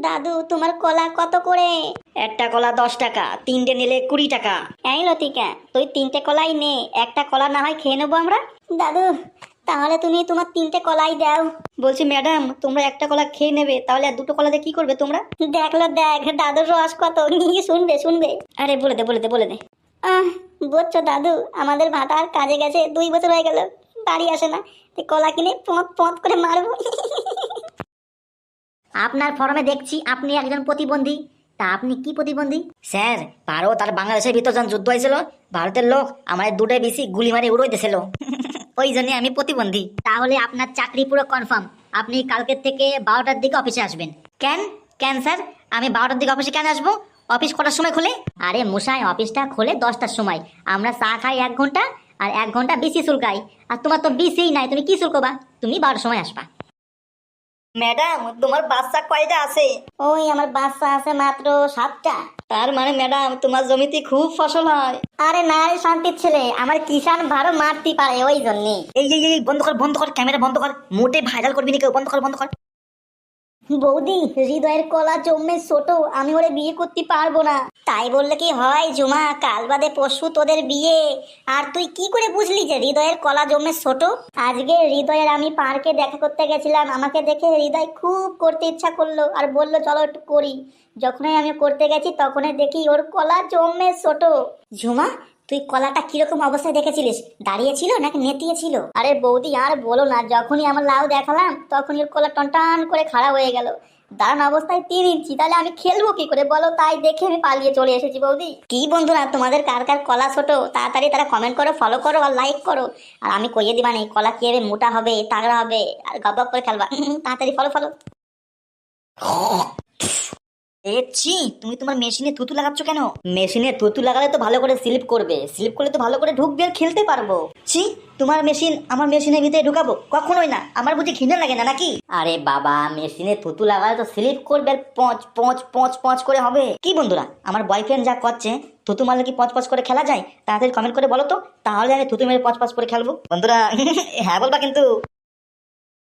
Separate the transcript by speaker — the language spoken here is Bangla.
Speaker 1: দাদু তোমার কলা কত করে?
Speaker 2: একটা কলা 10 টাকা, 3টে নিলে 20 টাকা।
Speaker 1: এই লতিকা, তুই 3টে কলাই নে, একটা কলা না হয় খেয়ে নেবো আমরা। দাদু তাহলে তুমি তোমার 3টে কলাই দাও।
Speaker 2: বলছি ম্যাডাম, তোমরা একটা কলা খেয়ে নেবে, তাহলে আর 2টো কলাতে কি করবে তোমরা?
Speaker 1: দেখলো দেখ দাদুর রস কত, শুনবে শুনবে।
Speaker 2: আরে বলে দে বলে দে বলে দে।
Speaker 1: বুঝছো দাদু, আমাদের ভাতার কাজে গেছে 2 বছর হয়ে গেল, বাড়ি আসে না, তাই কলা কিনে পথ পথ করে মারবো।
Speaker 2: আপনার ফর্মে দেখছি আপনি একজন প্রতিবন্ধী। তা আপনি কি প্রতিবন্ধী? স্যার, ভারত আর বাংলাদেশের ভিতর যখন যুদ্ধ হয়েছিল, ভারতের লোক আমাদের 2টা বেশি গুলি মারি উড়াই দিয়েছিল, ওই জন্য আমি প্রতিবন্ধী। তাহলে আপনার চাকরি পুরো কনফার্ম। আপনি কালকের থেকে 12টার দিকে অফিসে আসবেন। কেন কেন স্যার, আমি 12টার দিকে অফিসে কেন আসবো? অফিস কটার সময় খোলে? আরে মশাই, অফিসটা খোলে 10টার সময়। আমরা চা খাই 1 ঘন্টা, আর 1 ঘন্টা বিসি শুল্কাই। আর তোমার তো বিসিই নাই, তুমি কি শুল্কবা? তুমি 12টার সময় আসবা। ম্যাডাম, তোমার বাচ্চা কয়টা আছে?
Speaker 1: ওই আমার বাচ্চা আছে মাত্র 7টা।
Speaker 2: তার মানে ম্যাডাম, তোমার জমিতে খুব ফসল হয়।
Speaker 1: আরে না রে শান্তির ছেলে, আমার কিষান ভালো মারতে পারে, ওই জন্যে।
Speaker 2: এই বন্ধ কর বন্ধ কর, ক্যামেরা বন্ধ কর, মোটে ভাইরাল করবি না কেউ, বন্ধ কর বন্ধ কর।
Speaker 1: বৌদি, হৃদয়ের কলা জন্মে ছোট, আমি ওরে বিয়ে করতে পারবো না। তাই বললে কি হয় ঝুমা, কাল বাদে পরশু তোদের বিয়ে। আর তুই কি করে বুঝলি যে হৃদয়ের কলা জন্মে ছোট? আজকে হৃদয়ের আমি পার্কে দেখা করতে গেছিলাম, আমাকে দেখে হৃদয় খুব করতে ইচ্ছা করলো আর বললো চলো একটু করি। যখনই আমি করতে গেছি তখনই দেখি ওর কলা জন্মে ছোট। ঝুমা, তুই কলাটা কিরকম অবস্থায় দেখেছিলিস? দাঁড়িয়ে ছিল নাকি নেতিয়ে ছিল? আরে বৌদি আর বলো না, যখনই আমার লাউ দেখালাম তখনই ওর কলা টনটান করে খাড়া হয়ে গেল। দাঁড়ান অবস্থায় 3 ইঞ্চি, তাহলে আমি খেলবো কি করে বলো? তাই দেখে আমি পালিয়ে চলে এসেছি। বৌদি, কি বন্ধুরা, তোমাদের কার কার কলা ছোট তাড়াতাড়ি তারা কমেন্ট করো, ফলো করো আর লাইক করো। আর আমি কইয়ে দিবা নেই কলা কিভাবে মোটা হবে, তাগড়া হবে আর গপ করে খেলবা। তাড়াতাড়ি ফলো ফলো।
Speaker 2: ছি, তুমি তোমার মেশিনে থুতু লাগাচ্ছ কেন? মেশিনে থুতু লাগালে তো ভালো করে স্লিপ করবে, স্লিপ করলে তো ভালো করে ঢুকবে আর খেলতে পারবো। ছি, তোমার মেশিন আমার মেশিনের ভিতরে ঢুকাবো? কখনোই না। আমার বুঝি ঘৃণা লাগে না নাকি? আরে বাবা, মেশিনে থুতু লাগালে তো স্লিপ করবে আর পচ পচ পচ পচ করে হবে। কি বন্ধুরা, আমার বয়ফ্রেন্ড যা করছে, থুতু মারলে কি পচ পচ করে খেলা যায়? তাড়াতাড়ি কমেন্ট করে বলো তো, তাহলে আমি থুতু মেরে পচ পচ করে খেলবো। বন্ধুরা হ্যাঁ বলবা কিন্তু।